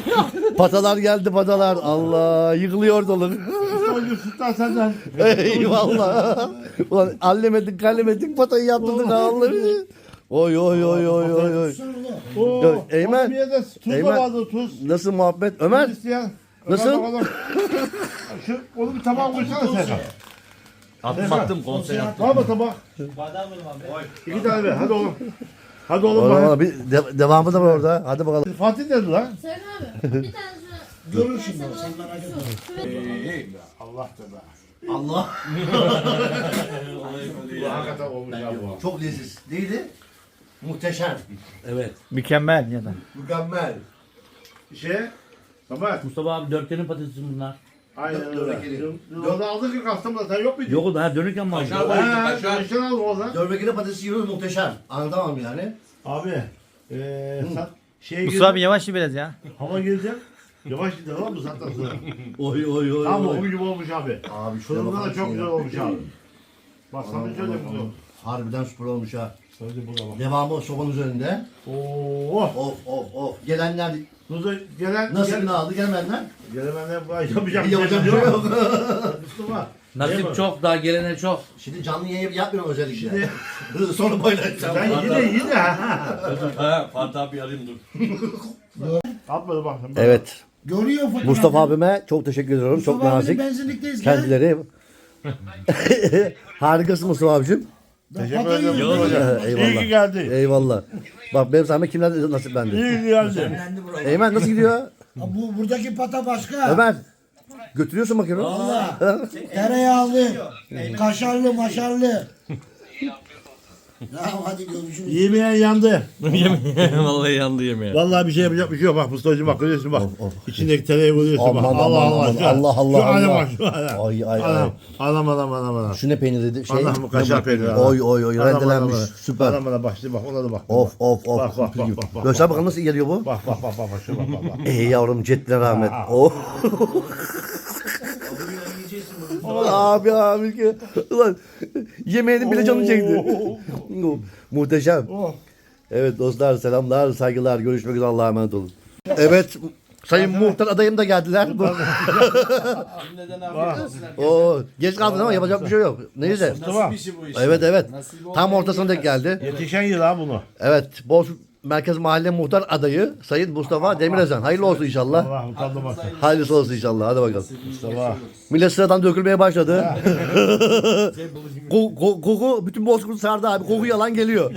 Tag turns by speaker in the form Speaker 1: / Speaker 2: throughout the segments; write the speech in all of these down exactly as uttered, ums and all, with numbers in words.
Speaker 1: Patalar geldi patalar. Allah yıkılıyor ortalık.
Speaker 2: Yusuf'tan senden.
Speaker 1: Eyvallah. Ulan allemedik kallemedik patayı yaptırdık Allah. Oy oy oy oy oy oy.
Speaker 2: Oo,
Speaker 1: Ya, Eymen,
Speaker 2: bir yerde tuz
Speaker 1: Eymen.
Speaker 2: da vardı tuz.
Speaker 1: Nasıl muhabbet? Ömer
Speaker 2: İsteyen.
Speaker 1: Nasıl?
Speaker 2: Ömer bakalım. Şu, onu bir tabağa koysana sen.
Speaker 3: Attım attım konsey yaptım.
Speaker 2: Var mı tabak? İki tane ver. Hadi oğlum. Hadi oğlum.
Speaker 1: Oğlum,
Speaker 2: Bak.
Speaker 1: oğlum, bir de- devamı da var orada. Hadi bakalım.
Speaker 2: Fatih dedi lan.
Speaker 4: Sen abi bir tane şuna.
Speaker 5: Görür şimdi o, sen merak etme.
Speaker 2: Allah da be.
Speaker 1: Allah.
Speaker 2: Bu hakikaten olmuş ya bu.
Speaker 1: Çok leziz. Neydi? Muhteşem.
Speaker 3: Evet.
Speaker 6: Mükemmel ya da.
Speaker 1: Mükemmel.
Speaker 2: Şey. Tamam.
Speaker 3: Mustafa abi dörtgenin patatesi bunlar.
Speaker 2: Aynen
Speaker 1: Dört-
Speaker 2: öyle.
Speaker 1: dört kere.
Speaker 2: Yolda aldık ya Kastamonu'da sen yok muydun?
Speaker 3: Yok o da dönürken mi aldın?
Speaker 2: Ha, dönüşten aldım oradan.
Speaker 1: Dörbekine patatesi yiyoruz muhteşem. Anlatamam yani.
Speaker 2: Abi. Eee sen şeye
Speaker 6: Mustafa abi yavaş biraz ya.
Speaker 2: Hava gelecek. Yavaş gidelim lan bu saatten sonra.
Speaker 1: Oy oy oy.
Speaker 2: Tam
Speaker 1: oy.
Speaker 2: onun gibi olmuş abi.
Speaker 1: Abi şuraya
Speaker 2: Fırında
Speaker 1: bakar
Speaker 2: da çok
Speaker 1: mısın
Speaker 2: güzel
Speaker 1: ya?
Speaker 2: olmuş abi. Bak sana
Speaker 1: Aman,
Speaker 2: söyleyeyim
Speaker 1: aman,
Speaker 2: bunu.
Speaker 1: aman. Harbiden süper olmuş ha.
Speaker 2: Söyleyeyim buna bak.
Speaker 1: Devamı sobanın üzerinde.
Speaker 2: Oo.
Speaker 1: Of of of. Gelenler
Speaker 2: Nuza gelen
Speaker 1: nasıl
Speaker 2: gel,
Speaker 1: ne aldı gelmeyenler?
Speaker 2: gelemenler bu ay yapacak bir
Speaker 1: Yapacak bir
Speaker 2: şey
Speaker 1: şey
Speaker 2: yok.
Speaker 1: yok.
Speaker 2: Mustafa.
Speaker 3: Nasip çok daha gelene çok.
Speaker 1: Şimdi canlı yayın yapmıyorum özellikle. Sonra paylaşacağım.
Speaker 2: Sen yine yine ha.
Speaker 3: Ha Fatih abi arayayım dur.
Speaker 2: Atmadı bak.
Speaker 1: Evet.
Speaker 5: Görüyor fotoğrafı.
Speaker 1: Mustafa abime çok teşekkür ediyorum. Çok
Speaker 5: Mustafa
Speaker 1: nazik.
Speaker 5: abinin benzinlikteyiz. Gel.
Speaker 1: Kendileri. Harikasın Mustafa abicim.
Speaker 2: Teşekkür
Speaker 5: Patayı
Speaker 2: ederim.
Speaker 5: yiyoruz.
Speaker 2: Eyvallah.
Speaker 1: Eyvallah.
Speaker 2: İyi ki geldi.
Speaker 1: Eyvallah. Bak benim sayemde kimler nasiplendi.
Speaker 2: İyi ki geldi.
Speaker 1: Eymen nasıl gidiyor?
Speaker 5: Ha, Bu buradaki pata başka.
Speaker 1: Ömer. Götürüyorsun bakıyorum.
Speaker 5: Valla. Tereyağlı, kaşarlı, maşarlı. Ya hadi görüşürüz.
Speaker 2: Yemeyen yandı.
Speaker 3: Vallahi yandı yemeğe.
Speaker 2: Vallahi bir şey yapacak bir şey yok. Bak Mustafa'cığım bak görüyorsun bak. İçindeki tereyağı görüyorsun bak.
Speaker 1: Aman,
Speaker 2: Allah
Speaker 1: aman,
Speaker 2: Allah.
Speaker 1: aman.
Speaker 2: Şu-
Speaker 1: Allah, Allah,
Speaker 2: Şu hale
Speaker 1: Allah.
Speaker 2: bak şu hale.
Speaker 1: Ay, ay, ay.
Speaker 2: Anam anam anam anam. anam.
Speaker 1: Şu ne peyniriydi? Şey,
Speaker 2: Allah'ım bu kaşar peyniri.
Speaker 1: Oy oy oy
Speaker 2: Anam,
Speaker 1: rendelenmiş.
Speaker 2: anam, anam.
Speaker 1: Süper.
Speaker 2: Anam anam bak şimdi bak ona da bak.
Speaker 1: Of of of.
Speaker 2: Bak, bak, bak, bak, bak,
Speaker 1: Göster bakalım nasıl geliyor bu?
Speaker 2: Bak bak bak bak bak şu bak bak. bak.
Speaker 1: Ey yavrum cetle rahmet.
Speaker 2: Aa.
Speaker 1: Oh. abi abi ki. Ulan yemeğinin bile canı çekti. Muhteşem.
Speaker 2: Oh.
Speaker 1: Evet dostlar selamlar saygılar görüşmek üzere Allah'a emanet olun. Evet Sayın Muhtar adayım da geldiler. Oo, geç kaldın ama yapacak bir şey yok. Neyse.
Speaker 2: Tamam.
Speaker 1: Evet evet. Tam ortasına denk geldi.
Speaker 2: Yetişen yıl ha bunu.
Speaker 1: Evet. Bozkurt Merkez Mahalle Muhtar adayı Sayın Mustafa Demirözen. Hayırlı olsun inşallah.
Speaker 2: Allah utandı
Speaker 1: Hayırlısı olsun inşallah. Hadi bakalım.
Speaker 2: Mustafa.
Speaker 1: Millet sıradan dökülmeye başladı. Ko- ko- koku bütün Bozkurt sardı abi. Koku yalan geliyor.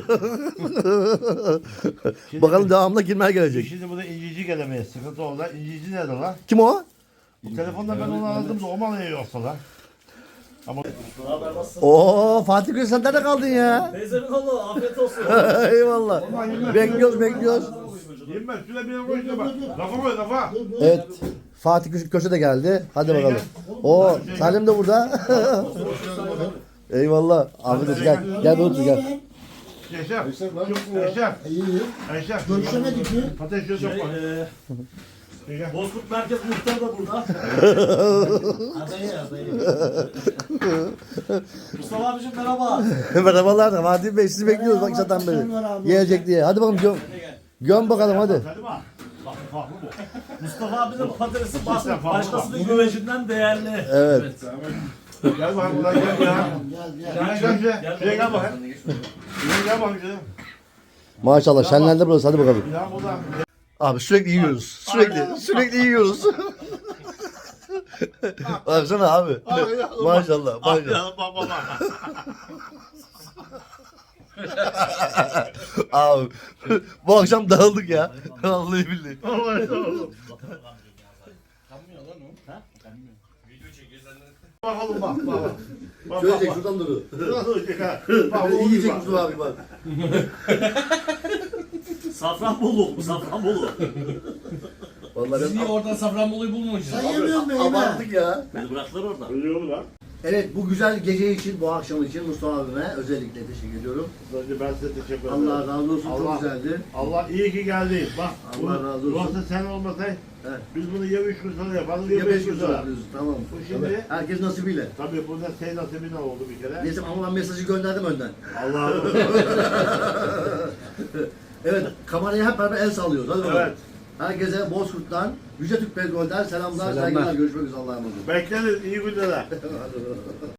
Speaker 1: Bakalım devamında kimler gelecek.
Speaker 2: Şimdi burada incici gelemeyiz. Sıkıntı oldu. İncici nerede lan?
Speaker 1: Kim o?
Speaker 2: Bu telefonda ben onu aradım da o mal iyi yoksa lan. Ama
Speaker 1: Oo Fatih Gül sen nerede kaldın ya?
Speaker 3: Teyzemin oğlu afiyet olsun.
Speaker 1: Eyvallah. Bekliyoruz bekliyoruz.
Speaker 2: yirmi beş şuraya bir yere koy şuna bak. Lafa koy lafa.
Speaker 1: Evet. Fatih Köşe, Köşe de geldi. Hadi bakalım. Oo Salim de burada. Eyvallah. Afiyet olsun gel. Gel bir otur gel.
Speaker 2: Yaşar. Yaşar.
Speaker 5: İyi iyi.
Speaker 2: Yaşar.
Speaker 5: Görüşemedik mi?
Speaker 2: Patates şöyle çok var. Yaşar.
Speaker 3: Bozkurt Merkez Muhtar da burada. adayı adayı. Mustafa abicim merhaba.
Speaker 1: Merhabalar. Fatih Bey sizi bekliyoruz bak zaten beri. Gelecek diye. Hadi bakalım göm. Göm bakalım hadi.
Speaker 2: Hadi bak. Bak farklı bu.
Speaker 3: Mustafa abinin patatesi baş,
Speaker 2: Mustafa,
Speaker 3: başkasının güvecinden değerli.
Speaker 1: Evet.
Speaker 2: Gel bakayım buradan gel ya.
Speaker 5: Gel gel.
Speaker 2: Gel gel gel. Şuraya gel bakayım. Şuraya gel bakayım. şuraya.
Speaker 1: Maşallah şenlendi burası hadi bakalım.
Speaker 2: Ya buradan.
Speaker 1: Abi sürekli yiyoruz. Sürekli sürekli yiyoruz. Baksana abi. Maşallah maşallah.
Speaker 2: Ya bak bak bak.
Speaker 1: Abi bu akşam dağıldık ya. Vallahi billahi.
Speaker 2: Vallahi oğlum. Bak oğlum bak bak. bak. Bak
Speaker 1: Şöyle
Speaker 2: bak
Speaker 1: çek
Speaker 2: bak.
Speaker 1: şuradan duru.
Speaker 2: Şurası olacak ha. Bak bu
Speaker 1: İyi çek
Speaker 2: bak.
Speaker 1: Mustafa abi bak.
Speaker 3: Safranbolu, Safranbolu.
Speaker 1: Vallahi
Speaker 3: Siz niye oradan Safranbolu'yu bulmamışsınız?
Speaker 5: Sen yemiyor musun Eymen?
Speaker 1: abarttık ya.
Speaker 3: Beni bıraktılar orada.
Speaker 2: Ölüyor mu lan?
Speaker 1: Evet bu güzel gece için bu akşam için Mustafa abime özellikle teşekkür ediyorum.
Speaker 2: Önce ben size teşekkür ederim.
Speaker 1: Allah razı olsun
Speaker 2: Allah-
Speaker 1: çok güzeldi.
Speaker 2: Allah iyi ki geldin. Bak.
Speaker 1: Allah
Speaker 2: bunu-
Speaker 1: razı olsun.
Speaker 2: Yoksa sen olmasaydın
Speaker 1: Evet.
Speaker 2: biz bunu ya üç gün sonra yaparız ya
Speaker 1: Ya
Speaker 2: beş
Speaker 1: beş
Speaker 2: gün
Speaker 1: gün
Speaker 2: sonra.
Speaker 1: yapıyoruz tamam.
Speaker 2: Bu şimdi-
Speaker 1: Evet. Herkes nasibiyle.
Speaker 2: Tabii burada senin nasibine oldu bir kere.
Speaker 1: Neyse ama ben mesajı gönderdim önden.
Speaker 2: Allah
Speaker 1: Evet kameraya hep beraber el sallıyoruz. Hadi bakalım.
Speaker 2: Evet.
Speaker 1: Herkese Bozkurt'tan, Yüce Türk Petrol'den selamlar,
Speaker 2: Selamlar.
Speaker 1: saygılar. Görüşmek üzere. Allah'a emanet olun.
Speaker 2: Bekleriz. İyi günler.